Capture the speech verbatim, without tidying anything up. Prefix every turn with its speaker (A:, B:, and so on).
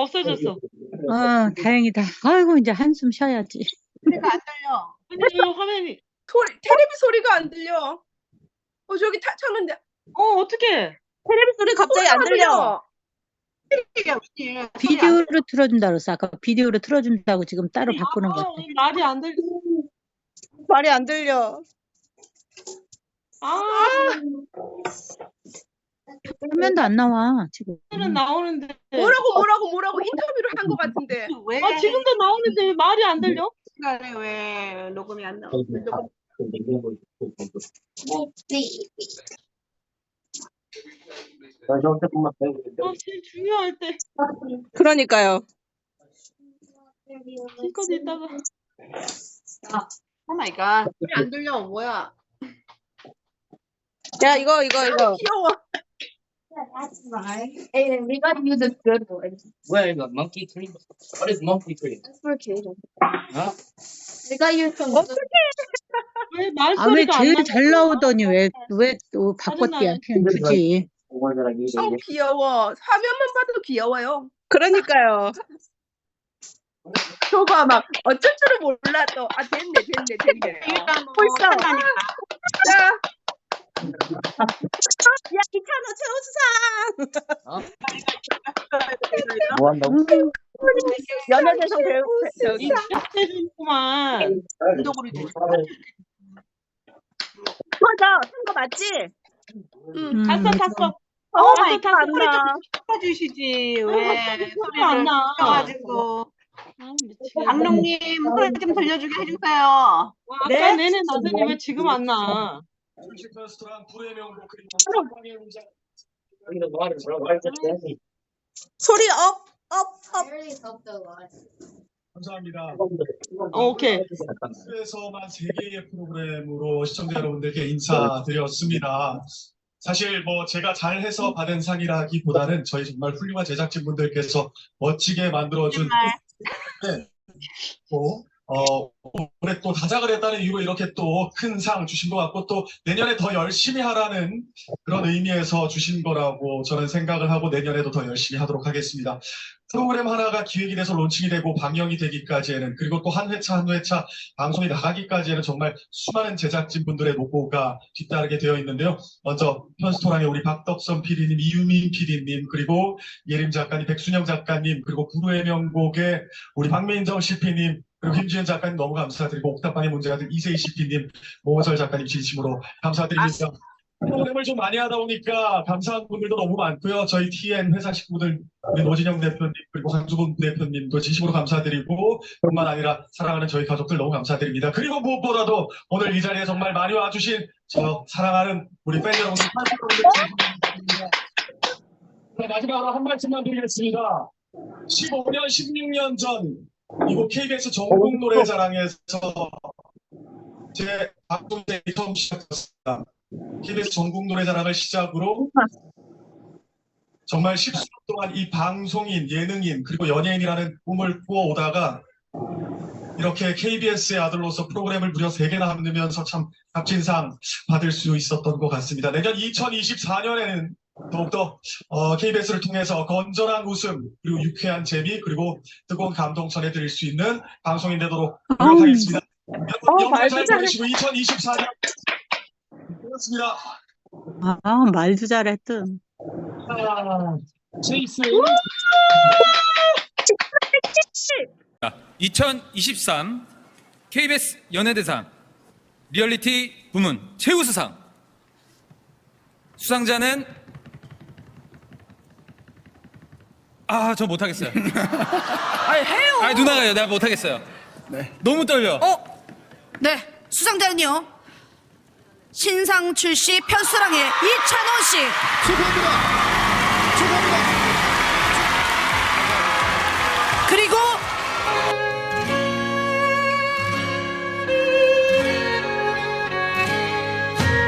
A: 없어졌어.
B: 아, 다행이다. 아이고, 이제 한숨 쉬어야지.
C: 소리가 안 들려.
A: 아니, 화면이.
D: 소리, 테레비 소리가 안 들려. 어, 저기 다 쳤는데.
A: 어, 어떡해.
E: 테레비 소리 갑자기 안 들려.
C: 이게 웬일?
B: 비디오로 틀어준다 그랬어. 아까 비디오로 틀어준다고 지금 따로 바꾸는
A: 아,
B: 거.
A: 말이 안 들려.
E: 말이 안 들려.
A: 아,
B: 화면도 안 나와, 지금.
A: 는 나오는데.
D: 뭐라고 뭐라고 뭐라고 인터뷰를 한 것 같은데.
C: 왜?
A: 아, 지금도 나오는데 왜 말이 안 들려?
C: 시간에 왜 녹음이 안 나와?
A: 아, 제일 중요할 때.
E: 그러니까요.
A: 지금까지 있다가.
C: 오 마이 갓. 소리 안 들려. 뭐야?
E: 야, 이거, 이거, 이거.
D: 귀여워.
F: That's right. And we gotta use a good one.
G: Where is the monkey cream? What is monkey cream?
F: That's for Kaden.
G: Huh?
F: We gotta use some.
E: 어떡해.
A: 왜
B: 아, 왜
A: 말소리가 안
B: 제일
A: 나냐?
B: 잘 나오더니 왜, 왜 또 바꿨대야. 그냥 주지.
D: 어, 귀여워. 화면만 봐도 귀여워요.
E: 그러니까요.
D: 저거 막 어쩔 줄을 몰라 또. 아, 됐네, 됐네, 됐네. 어.
C: 그러니까 뭐
E: 벌써.
C: 한다니까.
D: 자,
E: 야, 이찬호 최우수상.
G: 뭐 한다고?
B: 음,
E: 연예대상 배우, 저기.
A: 시작해주구만.
C: 운동으로 돼.
E: 맞아. 쓴거 맞지?
D: 음,
A: 탔어, 탔어.
E: 어,
A: 탔어,
E: 마이
A: 탔어.
E: 갓.
C: 소리 좀 바꿔주시지. 왜
A: 소리 안 나.
C: 소리가지고.
A: 아, 미치겠네.
C: 강릉님 소리 좀 들려주게 해주세요.
A: 아, 아까
E: 네?
A: 내내 나더니 왜 지금 안 나?
H: 레스토랑 불의 명곡 그리고
G: 여기는 뭐 하는 거야? 말 좀 해야지.
E: 소리 업, 업,
F: I
E: 업.
F: really helped a lot.
H: 감사합니다.
A: 어, 오케이.
H: 에서만 세 개의 프로그램으로 시청자 여러분들께 인사드렸습니다. 사실 뭐 제가 잘해서 받은 상이라기보다는 저희 정말 훌륭한 제작진분들께서 멋지게 만들어준 네. 또, 어, 올해 또 다작을 했다는 이유로 이렇게 또 큰 상 주신 것 같고 또 내년에 더 열심히 하라는 그런 의미에서 주신 거라고 저는 생각을 하고 내년에도 더 열심히 하도록 하겠습니다. 프로그램 하나가 기획이 돼서 론칭이 되고 방영이 되기까지에는 그리고 또 한 회차 한 회차 방송이 나가기까지에는 정말 수많은 제작진분들의 노고가 뒤따르게 되어 있는데요. 먼저 편스토랑의 우리 박덕선 피디님, 이유민 피디님, 그리고 예림 작가님, 백순영 작가님, 그리고 구루의 명곡의 우리 박민정 씨피님, 그리고 김지현 작가님 너무 감사드리고 옥탑방의 문제가 된 이세희 씨피님, 모호설 작가님 진심으로 감사드립니다. 프로그램을 좀 많이 하다 보니까 감사한 분들도 너무 많고요. 저희 티엔 회사 식구들, 우리 노진영 대표님, 그리고 황주범 대표님도 진심으로 감사드리고 뿐만 아니라 사랑하는 저희 가족들 너무 감사드립니다. 그리고 무엇보다도 오늘 이 자리에 정말 많이 와주신 저 사랑하는 우리 팬 여러분들, 팬 여러분들 감사드립니다. 자, 마지막으로 한 말씀만 드리겠습니다. 십오 년, 십육 년 전 이곳 케이비에스 전국 노래자랑에서 제 방송이 처음 시작했습니다. 케이비에스 전국 노래자랑을 시작으로 정말 십수년 동안 이 방송인, 예능인, 그리고 연예인이라는 꿈을 꾸어오다가 이렇게 케이비에스의 아들로서 프로그램을 무려 세 개나 만들면서 참 값진 상 받을 수 있었던 것 같습니다. 내년 이천이십사 년에는 더욱더 어, 케이비에스를 통해서 건전한 웃음, 그리고 유쾌한 재미, 그리고 뜨거운 감동 전해드릴 수 있는 방송인 되도록 노력하겠습니다. 여러분 영상 잘 보내시고 이천이십사 년 고맙습니다.
B: 아, 말도 잘했든.
H: 제이스.
I: 이천이십삼 케이비에스 연예대상 리얼리티 부문 최우수상 수상자는 아, 저 못하겠어요.
E: 아니, 해요.
I: 아, 누나가요. 내가 못하겠어요. 네. 너무 떨려.
J: 어? 네, 수상자는요. 신상 출시 편수랑의 이찬원 씨.
K: 축하합니다. 축하합니다.